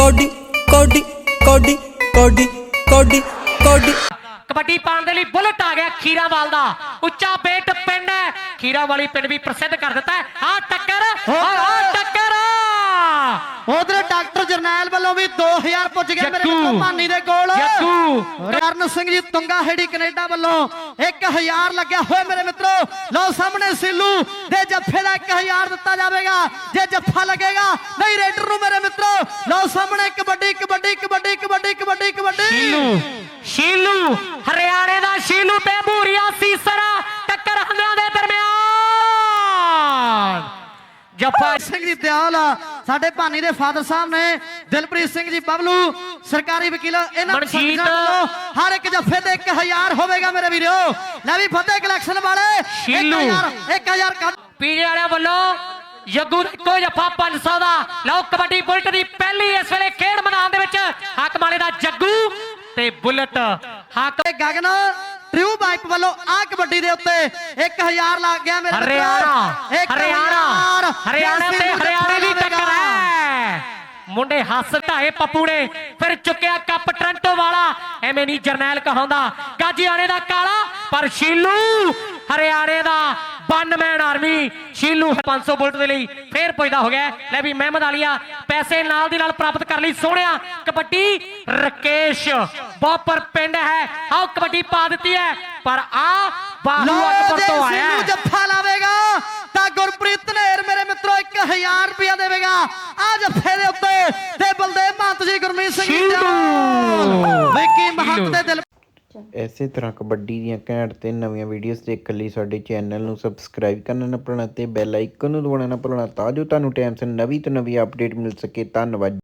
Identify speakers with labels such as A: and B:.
A: Cody ਕੋਡੀ ਕੋਡੀ ਕੋਡੀ ਕੋਡੀ ਕੋਡੀ।
B: कबड्डी पाने लिए बुलेट आ गया खीरावाल दा उच्चा बेट पिंड है खीरावाली पिंड भी प्रसिद्ध कर दिता है। हाँ टक्कर टक्कर
C: उधर डॉक्टर जरनैल वालों भी 2000 पुज गया मेरे मित्रों भानी दे कोल। करण सिंह जी तुंगा हेड़ी कनेडा वालों 1000 लग्या होए मेरे मित्रों। लो सामने सिल्लू दे जफ्फे दा 1000 दिता जाएगा जे जफ्फा लगेगा नहीं रेडर नु मेरे मित्रों। लो सामने कबड्डी कबड्डी कबड्डी कबड्डी कबड्डी कबड्डी
B: शीलू हरियाणे दा शीलू ते भूरिया सीसरा टक्कर हंदियां दे दरमियान जफा
C: सिंह जी दयाल साडे भानी दे फादर साहब ने दिलप्रीत सिंह जी बबलू सरकारी वकील
B: मनजीत
C: हर एक जफे ते 1000 होवेगा मेरे वीरो। ले भी फतेह कलेक्शन वाले 1000
B: पीजे वाले वालों यग्गू को जफा 500 दा। लो कबड्डी बुलेट दी पहली इस वेले खेड मैदान दे विच हक माले दा जग्गू ते बुलेट हक
C: गगन ट्रू बाइक वालों आ कबड्डी दे उत्ते 1000 लग गया मेरे
B: हरियाणा हरियाणा हरियाणा ते हरियाणे दी टक्कर है। मुंडे हस ढाए पप्पू ने फिर चुकिया कप टोरंटो वाला एवें नहीं जरनैल कहांदा गाजीआणे दा काला पर शीलू हरियाणे दा 92 मैन आर्मी शीलू 500 बुलेट दे लई फिर पुजदा हो गया। ले भी महमद आलिया पैसे नाल दी नाल प्राप्त कर लई सोहणिया कबड्डी रकेश बॉपर पिंड है आओ कबड्डी पा दी है पर आ बाहू अकबर तो आया
C: जफ्फा लावेगा ता गुरप्रीत नेर मेरे मित्रों 1000 रुपया देवेगा आ जफ्फे दे उत्ते ते बलदेव महंत जी गुरमीत सिंह जी विकी महंत दे दिल।
D: ਇਸੇ ਤਰ੍ਹਾਂ ਕਬੱਡੀ ਦੀਆਂ ਘੈਂਟ ਤੇ ਨਵੀਆਂ ਵੀਡੀਓਜ਼ ਦੇਖਣ ਲਈ ਸਾਡੇ ਚੈਨਲ ਨੂੰ ਸਬਸਕ੍ਰਾਈਬ ਕਰਨਾ ਨਾ ਭੁੱਲਣਾ ਤੇ ਬੈਲ ਆਈਕਨ ਨੂੰ ਦਬਾਉਣਾ ਨਾ ਭੁੱਲਣਾ ਤਾਂ ਜੋ ਤੁਹਾਨੂੰ ਟਾਈਮ ਸਿਰ ਨਵੀਂ ਤੋਂ ਨਵੀਂ ਅਪਡੇਟ ਮਿਲ ਸਕੇ। ਧੰਨਵਾਦ।